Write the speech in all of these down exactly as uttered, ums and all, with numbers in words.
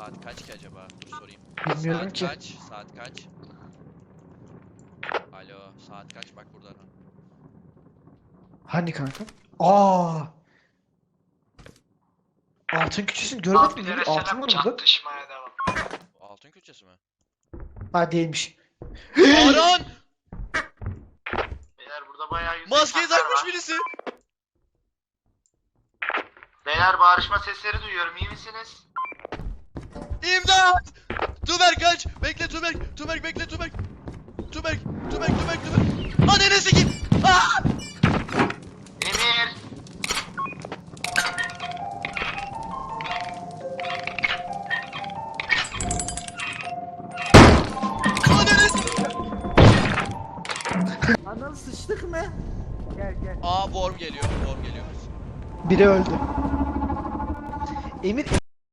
Saat kaç ki acaba? Dur sorayım. Bilmiyorum Saat ki. kaç? Saat kaç? Alo, saat kaç? Bak buradan. Hani kanka? Aa! Altın küçüsünü görmedin mi? Değil? Altın var burada. Çatışmaya devam. Altın külçesi mi? Ha değilmiş. Aran! Beyler burada bayağı yüzde Maskeyi insanlar takmış var. birisi. Beyler bağırışma sesleri duyuyorum, iyi misiniz? İmdat! Tuberk kaç! Bekle Tuberk! Tuberk bekle Tuberk! Tuberk! Tuberk! Tuberk! Tuberk! Ananı sikeyim! Aa! Emir! Ananı sikeyim! Anam sıçtık mı? Gel gel. Aa worm geliyor. Worm geliyor. Biri öldü. Emir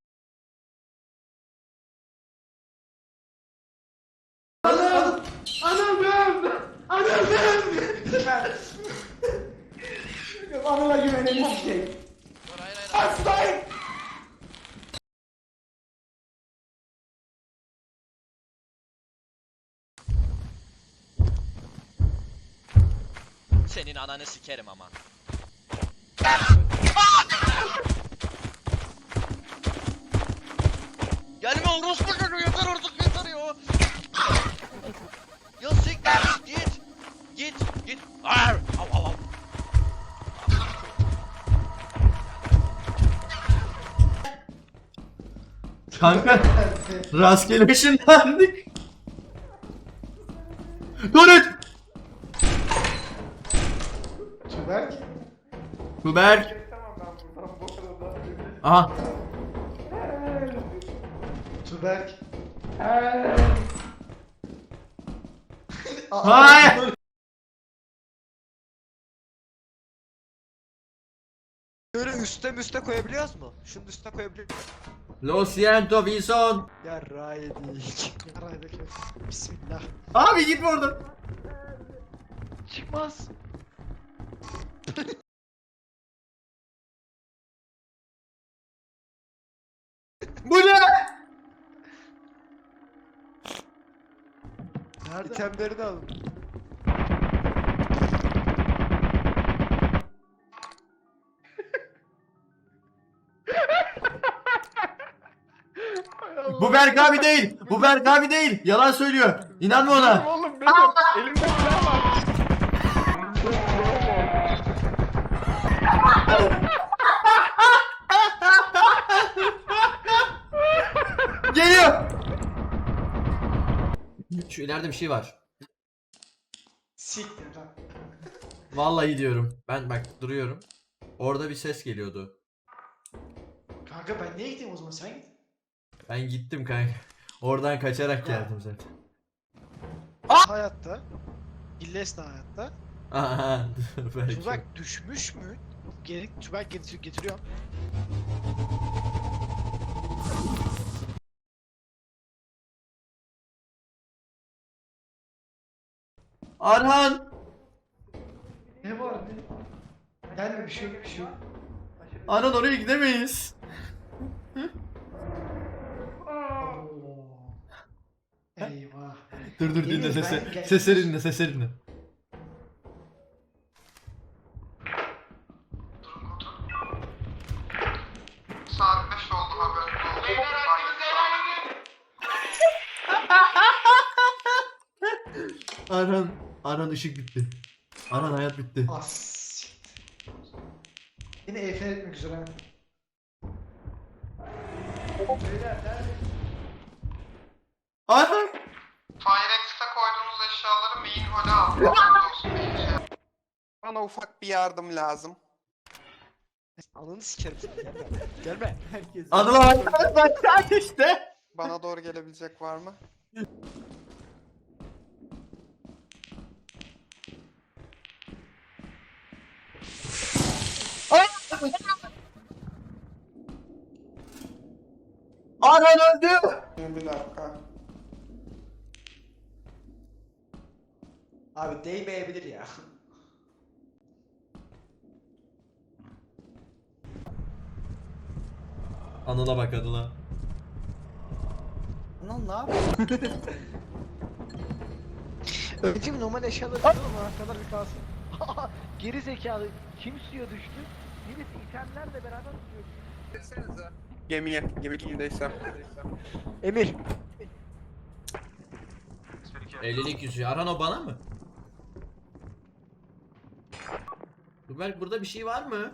Anam! Anam ben! Anam ben! Anıla güvenelim şey. Dur hayır hayır. hayır. Hastayım! Senin ananı sikerim ama. Gelme orospu çocuğu yeter artık yeter ya. Ya siktir git. Git git. Ar! Av av av. Kanka rastgele ışınlandık. Tuvalet. Tuberk. Kuberk. Aha. Tuberk. Hayır. Böyle üstte üste koyabiliyoruz mu? Şunun üstüne koyabiliyor muyuz? Lo siento Wilson. Ya ray değil. Yaraydı ki. Bismillah. Abi gitme oradan. Çıkmaz. Bu ne? Nerede? İtemleri de alın. Bu Berk abi değil. Bu Berk abi değil. Yalan söylüyor. İnanma ona. Oğlum benim elimde silah var. Geliyor. Şu ileride bir şey var. Siktir lan. Vallahi diyorum. Ben bak duruyorum. Orada bir ses geliyordu. Kanka ben niye gideyim o zaman sen git. Ben gittim kanka. Oradan kaçarak geldim zaten. Hayatta. İlles de hayatta. Aha. Belki. Tuzak düşmüş mü? Geri, tuzak getir getiriyorum. Arhan. Ne var ne? Gelme bir şey yok bir şey yok. Arhan oraya gidemeyiz. Oo. Eyvah. Dur dur dinle Deniz, ben sesi. gel- Sesleri dinle sesleri dinle. Saat beş oldu, haberiniz olsun. Beyler hakkınızı helal edin. Arhan. Arhan ışık bitti. Arhan hayat bitti. As. Yine E F etmek üzere. Arhan. Firex'te koyduğunuz eşyaları main hall'e al. Haberiniz olsun. Bilgi. Bana ufak bir yardım lazım. Ananı sikerim seni. Gelme. Gelme. Herkes. Anılar başlar işte. Bana doğru gelebilecek var mı? Arhan öldü. Bir dakika. Abi değmeyebilir ya. Anıl'a bak Anıl'a. Anıl ne yapıyorsun? Öncüm normal eşyaları alalım kadar bir kalsın. Geri zekalı. Kim suya düştü? Birisi itemlerle beraber suya düştü. Gemiye, gemi kimdeyse. Emir. ellilik yüzüğü. Aran o bana mı? Tuberk burada bir şey var mı?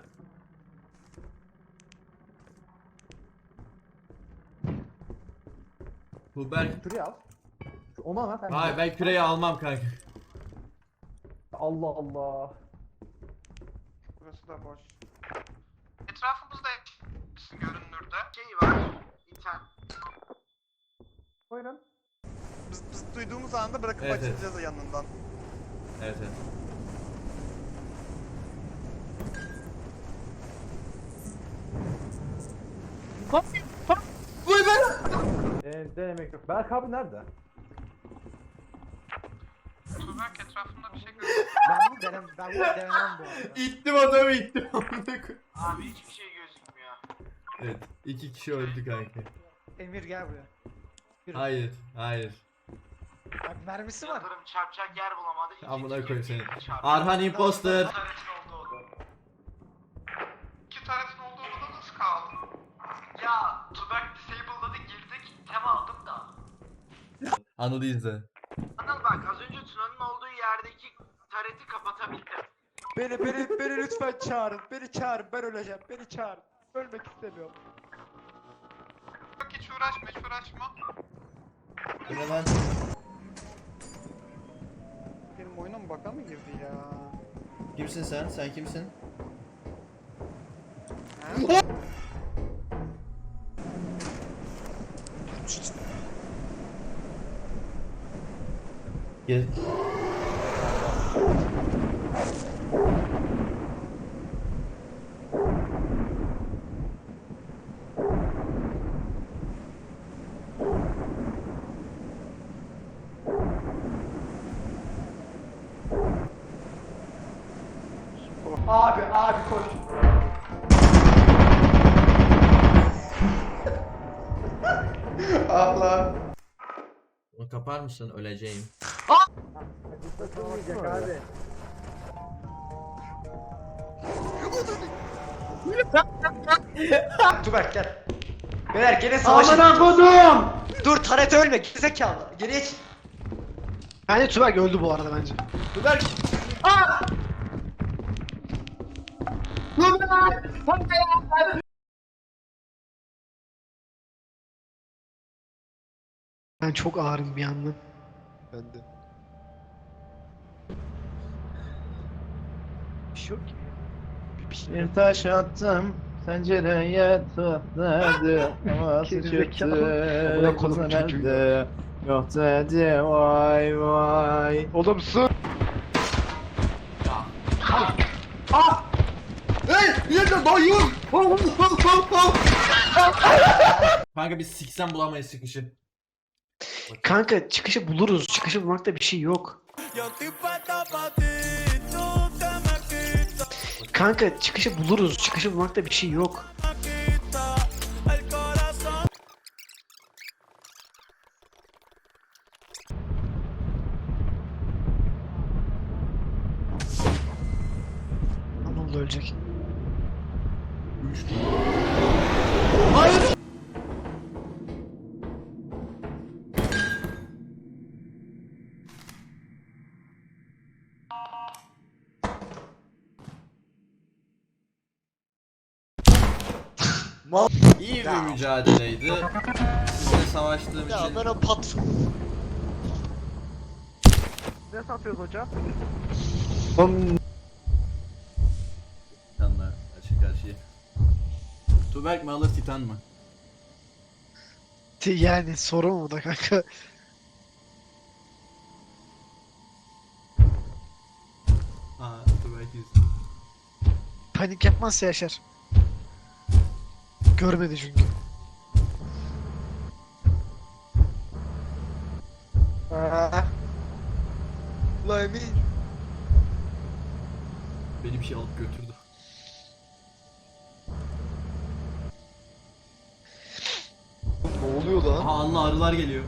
Tuberk. Şuraya al. Şu- Onu al sen. Hayır ben küreyi almam kanka. Allah Allah. Burası da boş. Etrafımızda görünürde şey var. İnternet. Buyurun. Biz, biz duyduğumuz anda bırakıp Evet, evet. açılacağız yanından. Evet evet. Ee, denemek yok. Berk abi nerede? Tuberk etrafında bir şey görüyor. Ben bunu denem, ben bunu denemem bu arada. İttim adamı ittim. Abi hiçbir şey gözükmüyor. Evet iki kişi öldü kanka. Emir gel buraya. Yürü. Hayır hayır. Bak mermisi var. Yıldırım çarpacak yer bulamadı. İki Amına kişi koyayım seni. birbirini çarptı. Arhan imposter. Taretin olduğu oda. İki taretin olduğu odada nasıl kaldı? Ya Tuberk disable'ladı girdik. Tem aldım da. Anıl izle. Anıl bak az önce Tuna'nın olduğu yerdeki tareti kapatabildim. Beni, beni, beni lütfen çağırın. Beni çağırın, ben öleceğim. Beni çağırın. Ölmek istemiyorum. Bak hiç uğraşma hiç uğraşma. Bu ne lan? Benim oyuna mı baka mı girdi ya? Kimsin sen? Sen kimsin? Gel. Abi abi koş. Ah lan. Onu kapar mısın? Öleceğim. Takılmayacak abi. Tuberk gel. Beyler gene savaşın. Amına kodum. Dur Taret ölme gerizekalı. Geriye çık. Bence Tuberk öldü bu arada bence. Tuberk. Ben çok ağrım bir yandan. Ben de. Bir şey yok ki. Bir, bir şey Bir taş attım pencereye tutladı ama Gerizekalı. çıktı Amına koydum kızın çocuğu. elde yok dedi vay vay. Oğlum sus. Kanka biz siksen bulamayız çıkışı. Kanka çıkışı buluruz. Çıkışı bulmakta bir şey yok. Kanka çıkışı buluruz. Çıkışı bulmakta bir şey yok. Anıl da ölecek. İyi bir mücadeleydi. Sizinle savaştığım Ya için ben o pat. Ne satıyoruz hocam? Titan'la açık karşıya. Tuberk mi alır Titan mı? Yani sorun mu da kanka? Aa Tuberk yüz. Panik yapmazsa yaşar. Görmedi çünkü. La Emin. Beni bir şey alıp götürdü. Ne oluyor lan? Aha Allah arılar geliyor.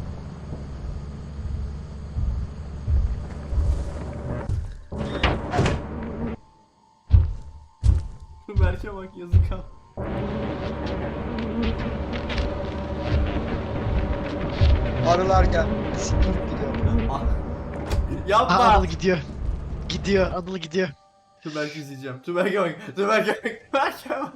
Berke bak yazık ha. Arılar gel. Siktir gidiyor. Ah. Aa, Yapma. Anıl gidiyor. Gidiyor. Anıl gidiyor. Tüberk izleyeceğim. Tüberk'e bak. Tüberk'e bak. Tüberk'e bak.